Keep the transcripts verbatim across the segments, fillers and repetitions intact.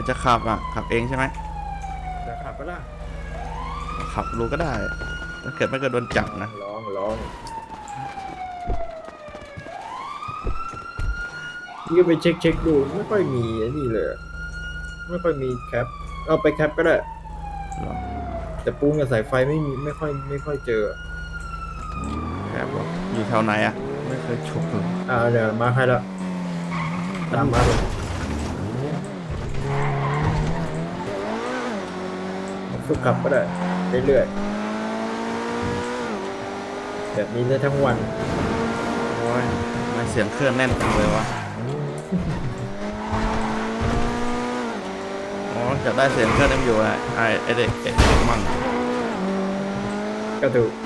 จะขับอ่ะขับเองใช่ไหมจะขับก็ล่ะขับรู้ก็ได้ถ้าเกิดไม่เกิดโดนจับนะลองลองนี่ก็ไปเช็คเช็คดูไม่ค่อยมีนี่เลยไม่ค่อยมีแคปเอาไปแคปก็ได้แต่ปูนกับสายไฟไม่มีไม่ค่อยไม่ค่อยเจอแอบอยู่แถวไหนอ่ะไม่เคยฉกเลยอ่าเดี๋ยวมาให้แล้วตามมาเลยฝึกขับก็ได้เรื่อยๆแบบนี้ได้ทั้งวันโอ้ยไม่เสียงเครื่องแน่นจังเลยวะอ๋อจะได้เสียงเครื่องนั่นอยู่อ่ะไอไอเด็กเด็กมั่งก็ถูก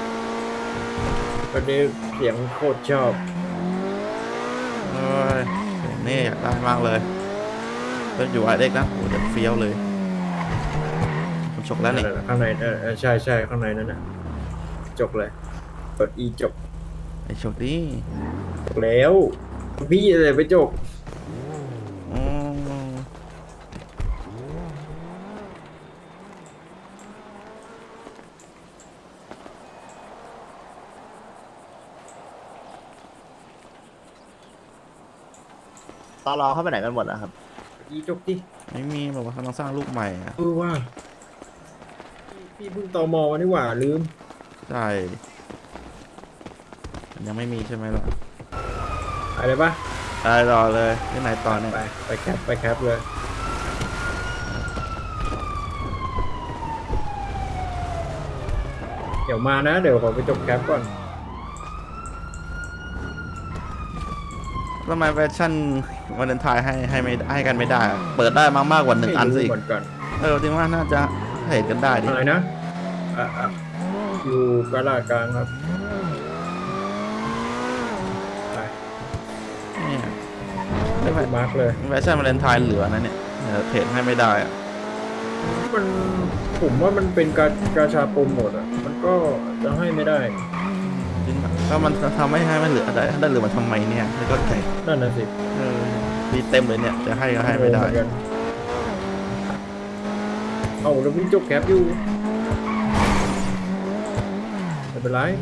วันนี้เสียงโคตรชอบโอ้ยนี่อยากได้มากเลยต้องอยู่ไอเด็กนะโอ้จะเฟี้ยวเลยผมฉกแล้วนี่ข้างในเออใช่ใช่ข้างในนั่นน่ะจบเลยกด E จบไอฉกดิจบแล้วพี่อะไรไปจบตอรอเข้าไปไหนกันหมดแล้วครับ E จบดิไม่มีแบบว่ากำลังสร้างลูกใหม่อ่ะเออว่าพี่เพิ่งตมมานี่หว่าลืมใช่ยังไม่มีใช่ไหมล่ะอะไรปะได้รอเลยที่ไหนต่อเนี่ยไปไปแคปไปแคปเลยเดี๋ยวมานะเดี๋ยวขอไปจบแคปก่อนทำไมแฟชั่นวันเลนไทน์ให้ให้ไม่ให้กันไม่ได้เปิดได้มากมากกว่าหนึ่งอันสิเออจริงว่าน่าจะเห็นกันได้ดิอะไรนะอ่ะอ่ะอยู่กลาดกลางครับไปเนี่ยไม่ไปมาร์กเลยแฟชั่นวันเลนไทน์เหลือนะเนี่ยเพจให้ไม่ได้อะมันผมว่ามันเป็นการกาชาโปรโมทอ่ะมันก็จะให้ไม่ได้จริงก็มันทำไม่ให้มันเหลือได้ได้เหลือมันทำไมเนี่ยไม่เข้าใจนั่นน่ะสิเออมีเต็มเลยเนี่ยจะให้ก็ให้ไม่ได้เอาแล้วพี่จบแคปอยู่ไม่เป็นไร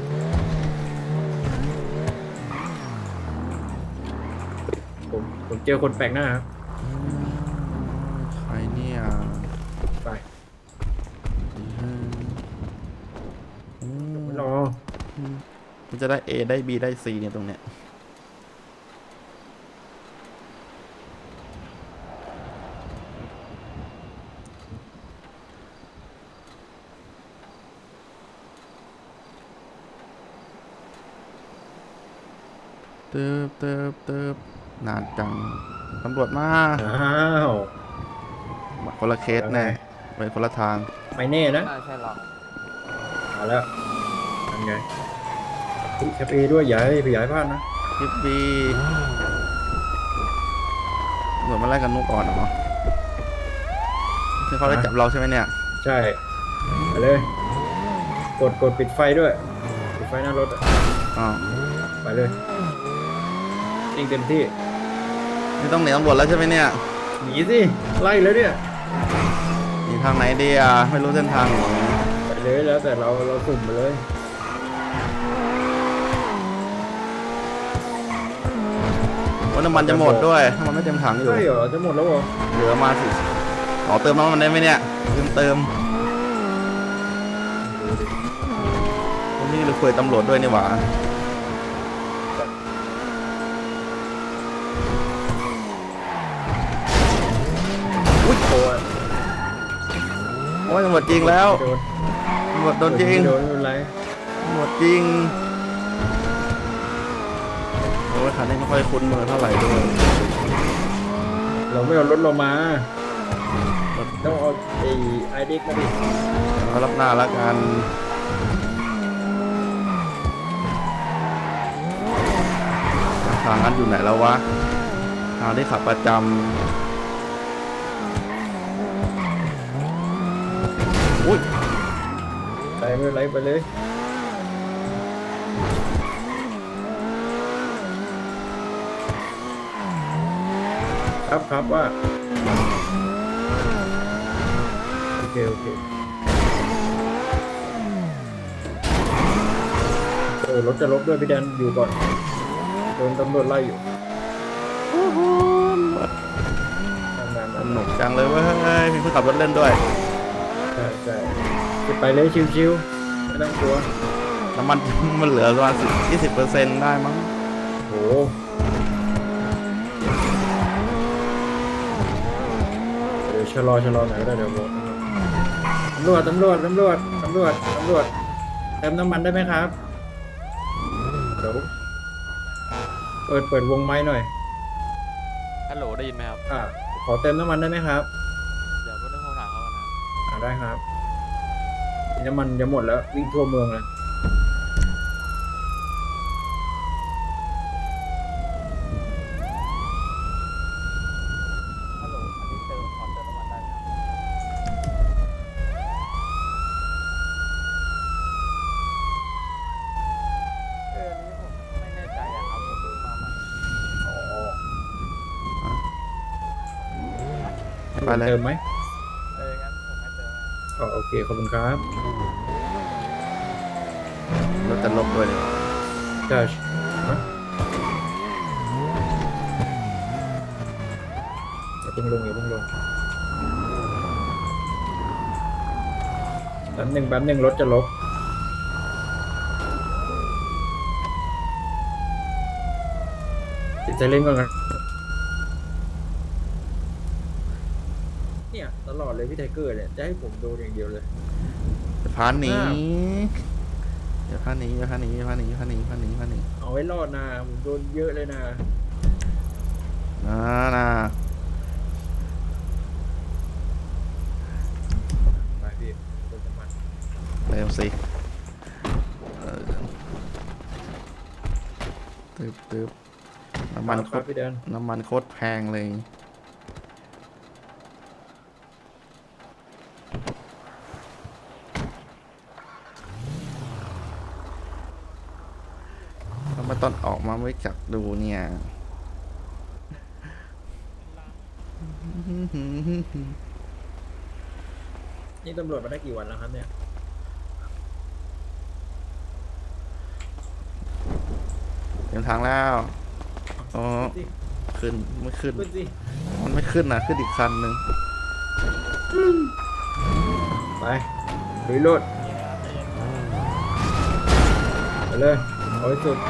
ผมผมเจอคนแปลกหน้าครับใครเนี่ยไปรอมันจะได้ A ได้ B ได้ C เนี่ยตรงเนี้ยเติบเติบเติบนานจังตำรวจมาอ้าวคนละเคสแน่ไปคนละทางไม่แน่นะใช่หรอมาแล้วทำไงแคปเอด้วยอย่าให้ไปย้ายพลาดนะคลิปบีตำรวจมาไล่กันนุกก่อนเหรอที่เขาได้จับเราใช่ไหมเนี่ยใช่ไปเลยกดกดปิดไฟด้วยปิดไฟหน้ารถอ๋อไปเลยยิงเต็มที่นี่ต้องหนีตำรวจแล้วใช่ไหมเนี่ยหนีสิไล่แล้วเนี่ยหนีทางไหนดีอ่ะไม่รู้เส้นทางหนีไปเลยแล้วแต่เราเราสุ่มไปเลยว่าน้ำมันจะหมดด้วยน้ำมันไม่เต็มถังอยู่ใช่เหรอจะหมดแล้วเหรอเหลือมาสิขอเติมน้ำมันได้ไหมเนี่ยเติมเติมนี่เราคุยตำรวจด้วยนี่หว่าอุ้ยโอ้ยโอ้ยหมดจริงแล้วหมดโดนจริงโดนอะไรหมดจริงโอ้ยคันนี้ไม่ค่อยคุ้นมือเท่าไหร่ด้วยเราไม่เอารถเรามาต้องเอาไอ้ไอเด็กมาดิเอารับหน้าแล้วกันทางนั้นอยู่ไหนแล้ววะทางที่ขับประจำอุ้ยไปไม่ไรไปเลยครับครับว่าโอเคเออรถจะลบด้วยพี่แดนอยู่ก่อนโดนตำรวจไล่อยู่ทำงานสนุกจังเลยเว้ยมีคนขับรถเล่นด้วยใช่ใช่จะไปเลยชิวๆไม่ต้องกลัวน้ำมัน มันเหลือประมาณสิบยี่สิบเปอร์เซ็นต์ได้มั้งโหเดี๋ยวชะลอชะลอหน่อยก็ได้เดี๋ยวบอกตำรวจตำรวจตำรวจตำรวจตำรวจเติมน้ำมันได้ไหมครับเดี๋ยวเปิดเปิดวงไม้หน่อยฮัลโหลได้ยินไหมครับอ่าขอเติมน้ำมันได้ไหมครับเดี๋ยวเพื่อนผมถามเขาก่อนนะอ่าได้ครับน้ำมันจะหมดแล้ววิ่งทั่วเมืองเลยฮัลโหลอันนี้เติมขอเติมน้ำมันได้ไหมครับเอออันนี้ผมไม่แน่ใจอะครับผมเพิ่งมาใหม่อ๋อไปเลยเติมไหมเอองั้นผมให้เติมนะครับอ๋อโอเคขอบคุณครับรถจะลบด้วยเลยใช่ฮะอย่าเพิ่งลงอย่าเพิ่งลงแป๊บหนึ่งแป๊บหนึ่งรถจะลบติดใจเล่นก่อนกันเนี่ยตลอดเลยพี่ไทเกอร์เนี่ยจะให้ผมโดนอย่างเดียวเลยจะพาหนีอ้าวอย่าพาหนีอย่าพาหนีอย่าพาหนีอย่าพาหนีอย่าพาหนีอย่าพาหนีเอาไว้รอดนะผมโดนเยอะเลยนะนะนะไปพี่โดนน้ำมันเร็วสิเออตึบตึบน้ำมันโคครับตรพี่แดนน้ำมันโคตรแพงเลยทำไมตอนออกมาไม่จักดูเนี่ยนี่ตำรวจมาได้กี่วันแล้วครับเนี่ยเต็มทางแล้วอ๋อขึ้นสิขึ้นไม่ขึ้นขึ้นสิมันไม่ขึ้นนะขึ้นอีกคันหนึ่งไปลุยรถไปเลยเอาให้สุด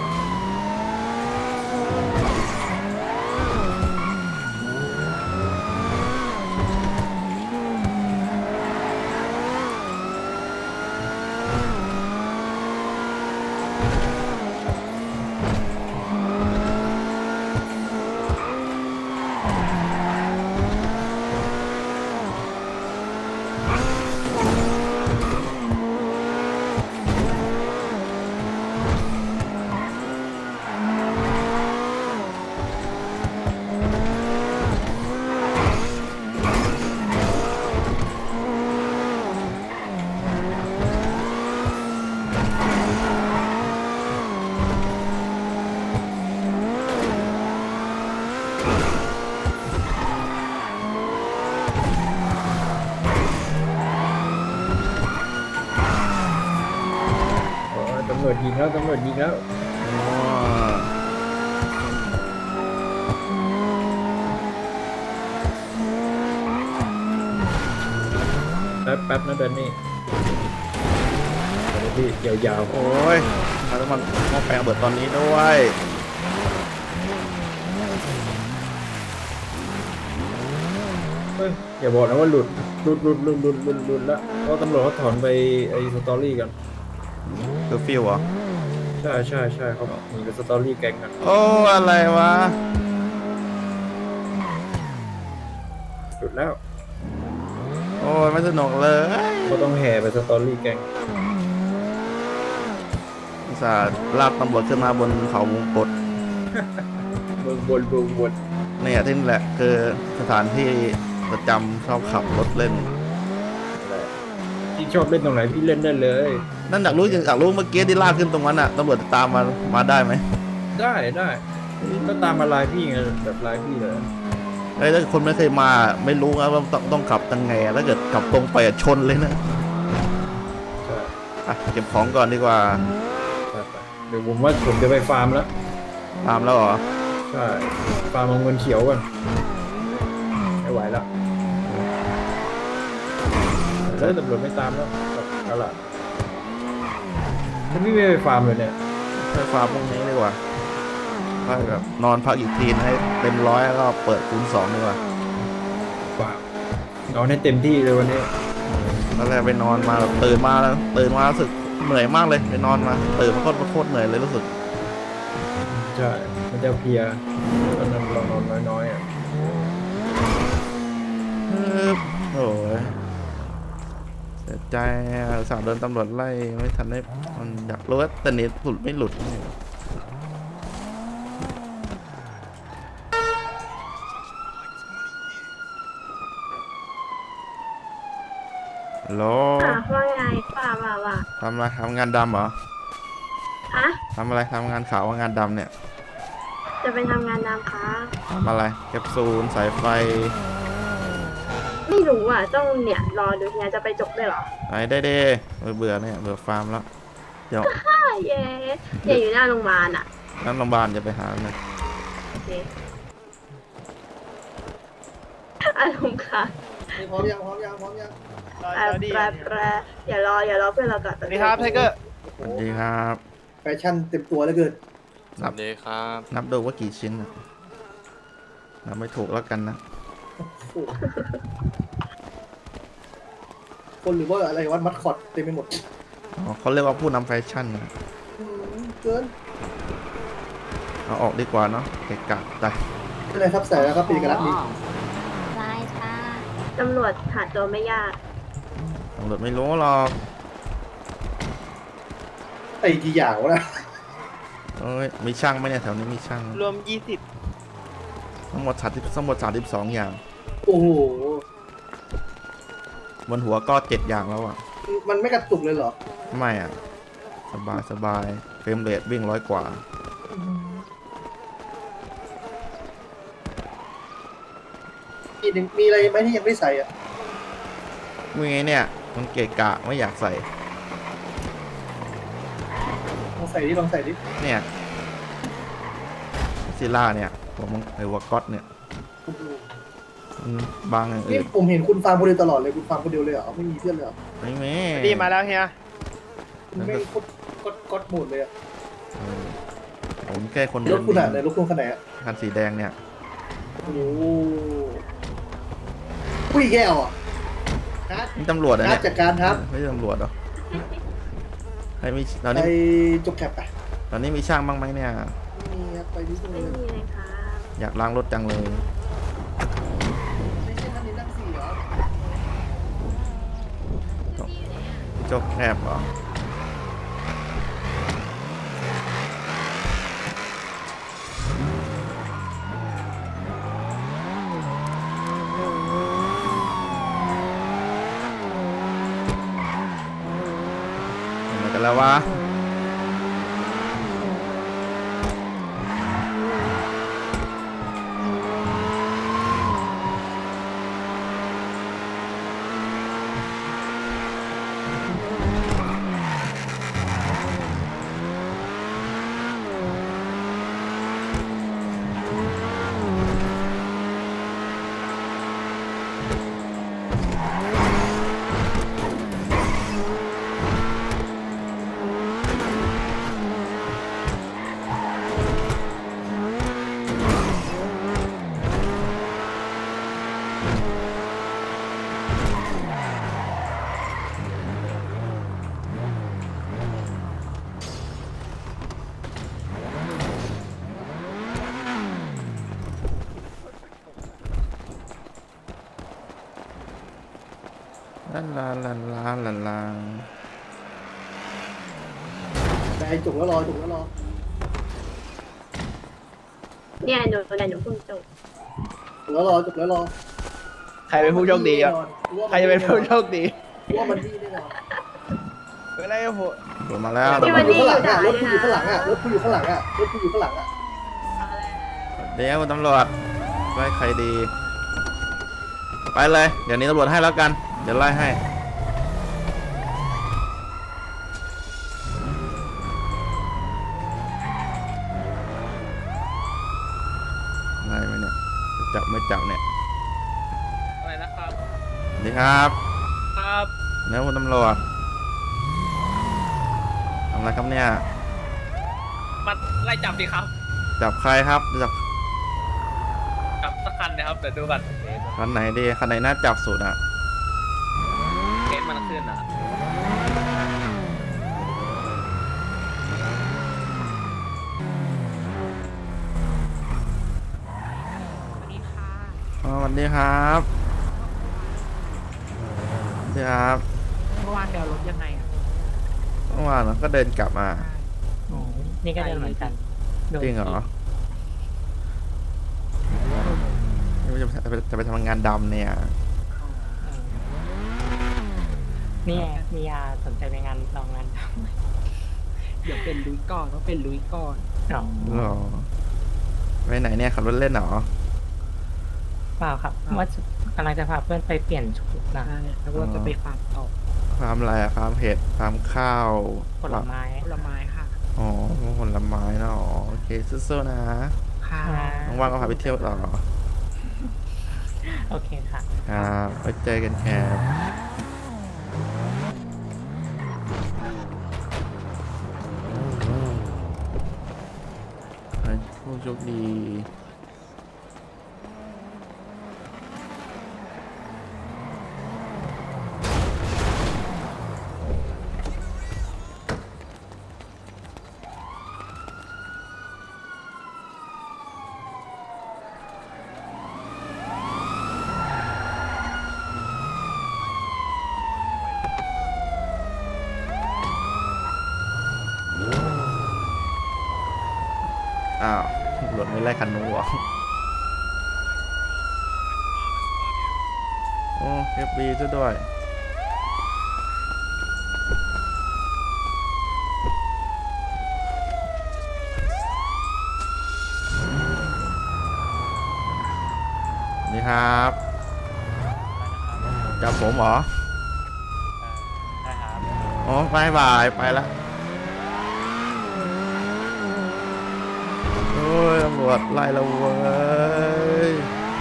โอ้ยตำรวจยิงแล้วตำรวจยิงแล้วอ๋อแป๊บแป๊บนะเดนนี่เดี๋ยวพี่ยาวโอ้ยมาแล้วมันหม้อแปลงเบิดตอนนี้ด้วยๆเฮ้ยอย่าบอกนะว่าหลุดหลุดหลุดหลุดหลุดหลุดหลุดแล้วเพราะตำรวจเขาถอนไปไอ้สตอรี่กันคือฟิวเหรอใช่ใช่ใช่เขาหนีไปสตอรี่แก๊งกันโอ้อะไรวะหลุดแล้วโอ้ยไม่สนุกเลยเขาต้องแห่ไปสตอรี่แก๊งอุตส่าห์ลากตำรวจขึ้นมาบนเขาวงกตเมืองบนเมืองบนเนี่ยที่นี่แหละคือสถานที่ประจำชอบขับรถเล่นที่ชอบเล่นตรงไหนพี่เล่นได้เลยนั่นอยากรู้อยากรู้เมื่อกี้ที่ลากขึ้นตรงนั้นอ่ะตำรวจตามมามาได้ไหมได้ได้ก็ตามมาลายพี่ไงแบบลายพี่เลยไอ้ยถ้าคนไม่เคยมาไม่รู้นะว่าต้องต้องขับยังไงอะถ้าเกิดขับตรงไปอะชนเลยนะใช่อ่ะเก็บของก่อนดีกว่าไปไปเดี๋ยวผมว่าผมจะไปฟาร์มแล้วตามแล้วเหรอใช่ฟาร์มเอาเงินเขียวก่อนไม่ไหวแล้วเฮ้ยตำรวจไม่ตามแล้วเอาล่ะฉันไม่ไปฟาร์มเลยเนี่ยไปฟาร์มพรุ่งนี้ดีกว่าไปแบบนอนพักอีกทีนให้เต็มร้อยแล้วก็เปิดคูณสองดีกว่าฟาร์มนอนให้เต็มที่เลยวันนี้ตอนแรกไปนอนมาแบบตื่นมาแล้วตื่นมารู้สึกเหนื่อยมากเลยไปนอนมาตื่นมาโคตรโคตรเหนื่อยเลยรู้สึกใช่มันจะเพลียตอนนั้นเรานอนน้อยๆอ่ะเออโอ้ยเสียใจอะสาวโดนตำรวจไล่ไม่ทันได้มันอยากรู้ว่าแต่เน็ตหลุดไม่หลุดฮัลโหลค่ะว่าไงว่าว่าว่าทำอะไรทำงานดำเหรอฮะทำอะไรทำงานขาวว่างานดำเนี่ยจะไปทำงานดำคะทำอะไรแคปซูลสายไฟไม่รู้อ่ะต้องเนี่ยรอดูเฮียจะไปจบด้วยเหรอไหนได้เด้เบื่อเนี่ยเบื่อฟาร์มแล้วเดี๋ยวฮ่าเย้เฮียอยู่หน้าโรงพยาบาลอ่ะนั่นโรงพยาบาลจะไปหาเลยโอเคอารมณ์ค่ะพร้อมยังพร้อมยังพร้อมยังแปรแปรแปรอย่ารออย่ารอเพื่อนเราก่อนสวัสดีครับไทเกอร์สวัสดีครับแฟชั่นเต็มตัวแล้วเกินสวัสดีครับนับดูว่ากี่ชิ้นนะนับไม่ถูกแล้วกันนะคนหรือว่าอะไรวัดมัดคอดเต็มไปหมดอ๋อเขาเรียกว่าผู้นำแฟชั่นนะอืมเกินเอาออกดีกว่าเนาะเกะกะไปอะไรครับใส่แล้วครับเป็นเอกลักษณ์นี้ได้ค่ะตำรวจหาตัวไม่ยากตำรวจไม่รู้หรอกไอ้กี่อย่างวะนะเอ้ยมีช่างไหมเนี่ยแถวนี้มีช่างรวมยี่สิบทั้งหมดสามสิบทั้งหมดสามสิบสองอย่างโอ้โหบนหัวก็เจ็ดอย่างแล้วอ่ะมันไม่กระตุกเลยเหรอไม่อ่ะสบายสบายเฟรมเรทวิ่งร้อยกว่าอีกหนึ่งมีอะไรไหมที่ยังไม่ใส่อ่ะมึงไงเนี่ยมันเกะกะไม่อยากใส่ลองใส่ดิลองใส่ดิเนี่ยซิล่าเนี่ยหัวมังไอหัวก๊อตเนี่ยโอ้โหมันบางอย่างนี่อื่นผมเห็นคุณฟาร์มคนเดียวตลอดเลยคุณฟาร์มคนเดียวเลยเหรอไม่มีเพื่อนเลยเหรอไม่มีดีมาแล้วเฮียคุณไม่กดกดกดหมดเลยอ่ะเออผมแค่คนรเดียวถคุณอ่ะไหนรถคุณขนาดไหนอ่ะคันสีแดงเนี่ยโอ้โหอุ้ยแก้วอ่ะการ์ดนี่ตำรวจอะการ์เนี่ดยจัดการครับไม่ใช่ตำรวจเหรอใครมีตอนไปนี้จบแคปไปตอนนี้มีช่างบ้างไหมเนี่ยนี่ครับไปนิดนึงไม่เลยมีเลยค่ะอยากล้างรถจังเลยไม่ใช่ท่านนี้นั่งสี่เหรอจกแคบเหรอเห็นไหมกันแล้ววะลาลาลาลาลาลาไปจบแล้วรอจบแล้วรอเนี่ยหนูเนี่ยหนูเพิ่งจบจบแล้วรอจบแล้วรอใครเป็นผู้โชคดีอ่ะใครจะเป็นผู้โชคดีว่ามันดีแน่นอนเป็นไรโหโดนมาแล้วที่วันรถนี้ข้างอหลัยู่งด่าอ่ะรเลถยคุณนะอยู่ข้างหลังอ่ะรถคุณอยู่ข้างหลังอ่ะรถคุณอยู่ข้างหลังอ่ะเดี๋ยวตำรวจไล่ใครดีไปเลยเดี๋ยวนี้ตำรวจให้แล้วกันเดี๋ยวไล่ให้ไล่ไหมเนี่ยจะจับไม่จับเนี่ยอะไรนะครับสวัสดีครับครับเนี่ยคุณตำรวจทำอะไรครับเนี่ยมาไล่จับดิครับจับใครครับจับจับสักคันนะครับเดี๋ยวดูก่อนคันไหนดีคันไหนน่าจับสุดอ่ะเคสมันขึ้นอ่ะอ๋อสวัสดีครับสวัสดีครับเมื่อวานเดี๋ยวรถยังไงอ่ะเมื่อวานก็เดินกลับมาโอ้นี่ก็เดินเหมือนกันโดนจริงเหรอจะไปจะไปทำงานดำเนี่ยนี่ไงมียาสนใจไปงานลองงานทำเดี๋ยวเป็นลุยก่อนต้องเป็นลุยก่อนอ๋อหรอไปไหนเนี่ยขับรถเล่นเหรอเปล่าครับว่ากำลังจะพาเพื่อนไปเปลี่ยนชุดนะแล้วก็จะไปฟาร์มต่อฟาร์มอะไรอะฟาร์มเห็ดฟาร์มข้าวผลไม้ผลไม้ค่ะอ๋อผลไม้เนาะอ๋อโอเคสู้ๆนะค่ะว่างๆก็พาไปเที่ยวต่อโอเคค่ะครับไว้เจอกันครับให้ผู้โชคดีอ้าวตำรวจไม่ไล่คันนู้นหรอโอ้เอฟบีซะด้วยนี่ครับจับผมเหรอใช่ครับอ๋อบายบายไปละโอ้ยตำรวจไล่เราเว้ย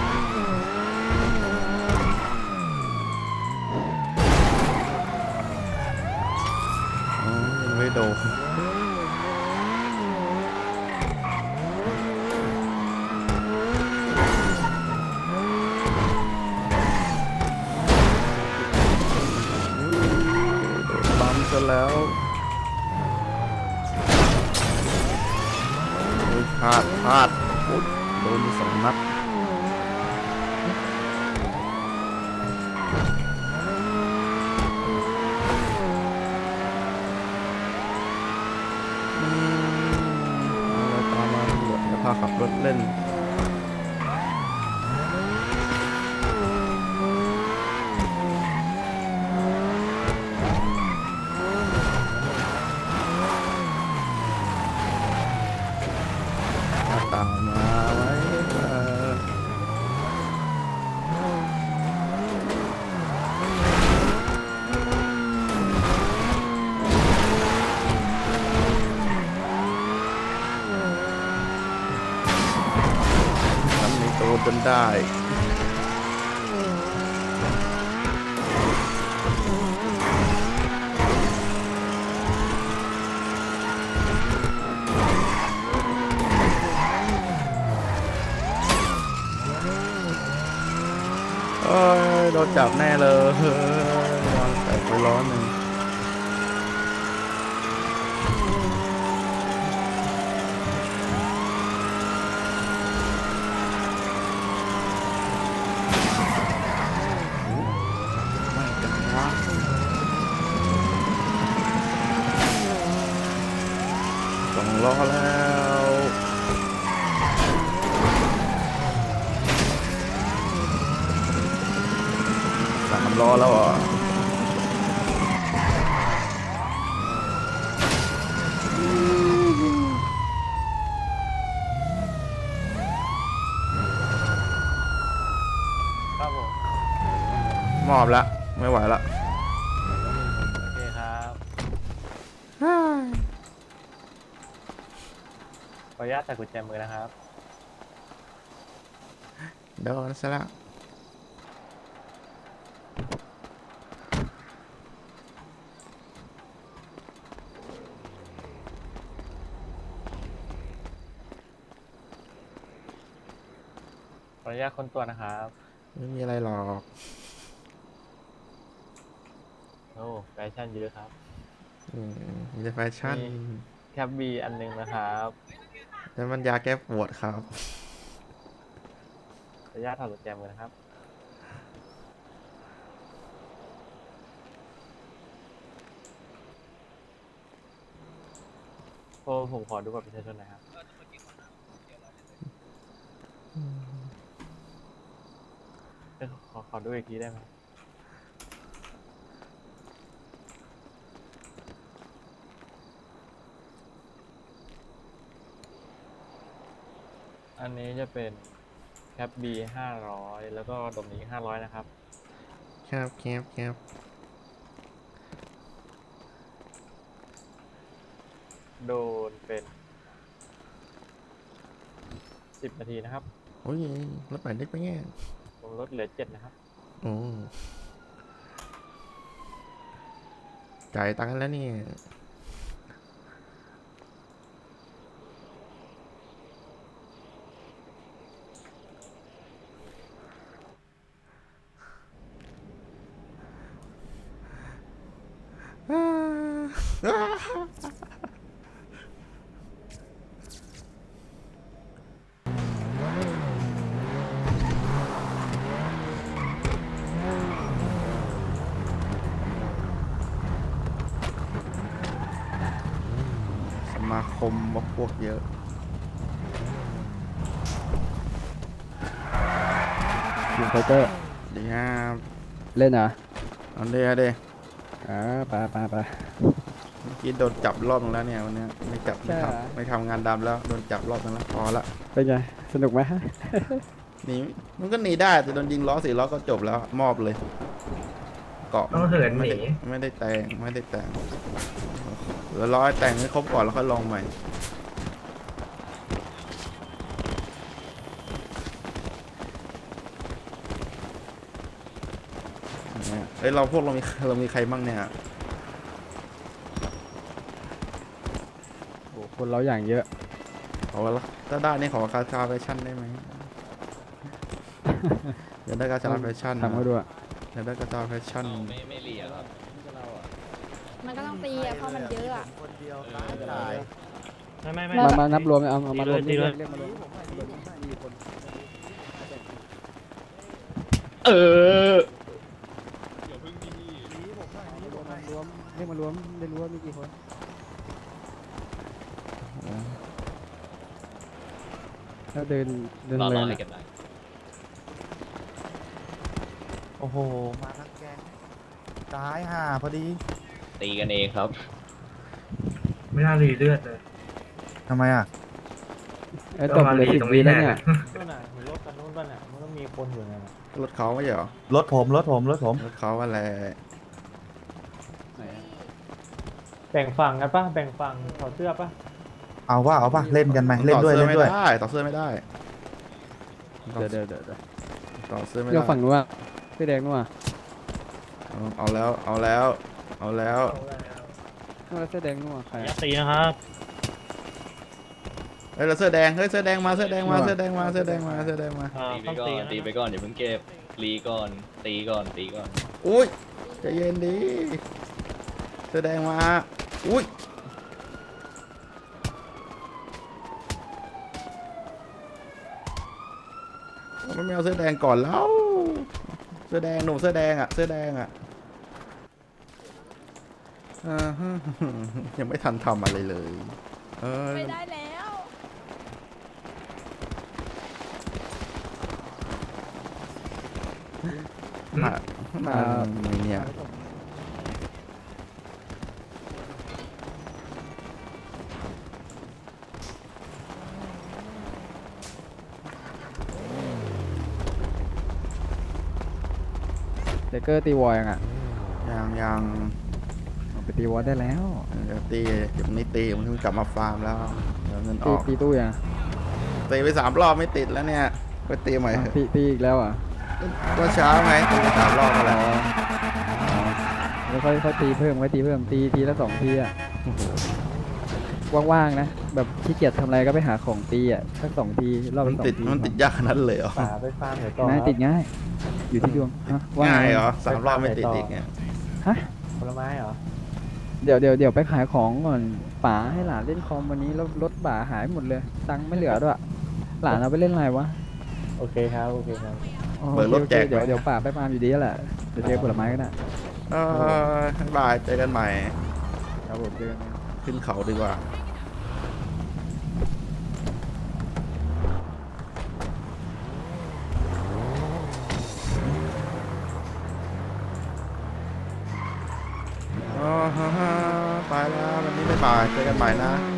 อ๋อยังไม่โดนโดนบัมซะแล้วโอ้ยพลาดพลาดโอ้ยโดนไปสองนัดอืมเอาตามมาตำรวจแล้วพาขับรถเล่นตามมาไว้เออทำในตัวจนได้เอ้ยโดนจับแน่เลยยางแตกไปร้อนหนึ่งไม่กันวะสองล้อแล้วสามล้อแล้วอ่ะมอบละไม่ไหวละโอเคครับ ขออนุญาตใส่กุญแจมือนะครับโดนซะแล้วขออนุญาตค้นตัวนะครับไม่มีอะไรหรอกโอ้แฟชั่นเยอะครับอืมมีแต่แฟชั่นมี แคปบีอันหนึงนะครับแล้วมันยาแก้ปวดครับขออนุญาตถอดกุญแจมือนะครับ โอ้ผมขอดูบัตรประชาชนหน่อยครับเอ้ยขอขอดูอีกทีได้ไหมอันนี้จะเป็นแคปบีห้าร้อยแล้วก็ดมนี้ห้าร้อยนะครับครับครับครับโดนเป็นสิบนาทีนะครับโอ้ยรถใหม่เล็กไปแง่ผมลดเหลือเจ็ดนะครับโอ้จ่ายตังค์แล้วเนี่ยอ่า สมาคมว่าพวกเยอะยิงไฟเตอร์ดีครับเล่นเหรอเอาเดียวเดียวอ่าไปไปไปเมื่อกี้โดนจับรอบนึงแล้วเนี่ยวันเนี้ยไม่จับไม่ใช่เหรอทำไม่ทำงานดำแล้วโดนจับรอบนึงแล้วพอละเป็นไง สนุกไหมหนีมันก็หนีได้แต่โดนยิงล้อสี่ล้อก็จบแล้วมอบเลย เกาะต้องเหินหไม่นีได้ไม่ได้แต่งไม่ได้แต่งเดี๋ยวรอให้แต่งให้ครบก่อนแล้วค่อยลองใหม่เนี่ยเอ้ยเราพวกเรามีเรามีใครบ้างเนี่ยโอ้คนเราอย่างเยอะขอละถ้าได้นี่ขอคาชาแฟชั่นได้ไหม เดี๋ยวได้กาชาแฟชั่นทำเขาดูอะเดี๋ยวได้กาชาแฟชั่นมันก็ต้องตีอะเพราะมันเยอะอะไม่ไม่ไม่มามานับรวมเอาเอามารวมตีเรีเลย ยกเรียกมารวมเออรวมเรียกมารวมได้รู้ว่ามีกี่คนถ้าเดินเดินเลยโอ้โห มาทั้งแกงตายห่าพอดีตีกันเองครับไม่น่ารีเลือดเลยทำไมอ่ะไอ้ตบเหลยสิบวิแล้วเนี่ยนู่นน่ะเห็นรถกันนู่นป่ะน่ะมันก็มีคนอยู่นั่นน่ะรถเขาไม่ใช่เหรอรถผม รถผม รถผมรถเขาอะไรแบ่งฝั่งกันป่ะแบ่งฝั่งถอดเสื้อป่ะเอาว่าเอาป่ะ เล่นกันไหมเล่นด้วยต่อเล่นสื้อด้วยไม่ได้ต่อเสื้อไม่ได้เดี๋ยวเดี๋ยวเดี๋ยวเดี๋ยวต่อเสื้อไม่เดี๋ได้ยวฝั่งนู้นอะเสื้อแดงนู้นอะเอาเอาแล้วเอาแล้วเอาแล้วนู้นแล้วเสื้อแดงนู้นอะใครยัอะดตีนะครับเฮ้ยเราเสื้อแดงเฮ้ยเสื้อแดงมาเสื้อแดงมาเสื้อแดงมาเสื้อแดงมาเสื้อแดงมาตีไปก่อน ตีไปก่อนอย่าเพิ่งเก็บรีก่อน ตีก่อน ตีก่อนอุ้ยใจเย็นดีเสื้อแดงมาอุ้ยมันไม่เอาเสื้อแดงก่อนแล้วเสื้อแดงหนุ่มเสื้อแดงอ่ะเสื้อแดงอ่ะอ่าฮะยังไม่ทันทำอะไรเลยเออไม่ได้แล้วมามาทำไมเนี่ยเดกเกอร์ตีวอลยังอ่ะยังยังเอาไปตีวอลได้แล้วเดี๋ยวตีเดี๋ยวนี้ตีมันเพิ่งกลับมาฟาร์มแล้วเดี๋ยวเงินอตีอกตีตู้ยังตีไปสามรอบไม่ติดแล้วเนี่ยไปตีใหม่เถอะตีตีอีกแล้วอ่ะก็เช้าไงตีไปสามรอบแล้วแล้วค่อยค่อยตีเพิ่มค่อยตีเพิ่มตีทีละสองทีอ่ะว่างๆนะแบบขี้เกียจทำอะไรก็ไปหาของตีอ่ะสักสองทีรอบมันละสองติดทีมันติดยากขนาดนั้นเลยเหรอป่าไปฟาร์มเดี๋ยวต่อง่ายติดง่าย อยู่ที่ดวงฮะว่ง่ายไเหรอสามรอบไม่ติดอีกเนี่ยฮะผลไม้เหรอเดี๋ยวเดี๋ยวเดี๋ยวไปขายของก่อนป๋าให้หลานเล่นคอมวันนี้แล้วรถป๋าหายหมดเลย ตังค์ไม่เหลือด้วยหลานเอาไปเล่นอะไรวะโอเคครับ โอเคครับอ๋อเปิดรถแจกโอเคเดี๋ยวเดี๋ยวป๋าไปฟาร์มอยู่ดีแหละเดี๋ยวเจอผลไม้กันนะเออบ๊ายบายเจอกันใหม่ครับผมเจอกันขึ้นเขาดีกว่าอ๋อฮ่าฮ่าไปแล้ววันนี้บ๊ายบายเจอกันใหม่นะ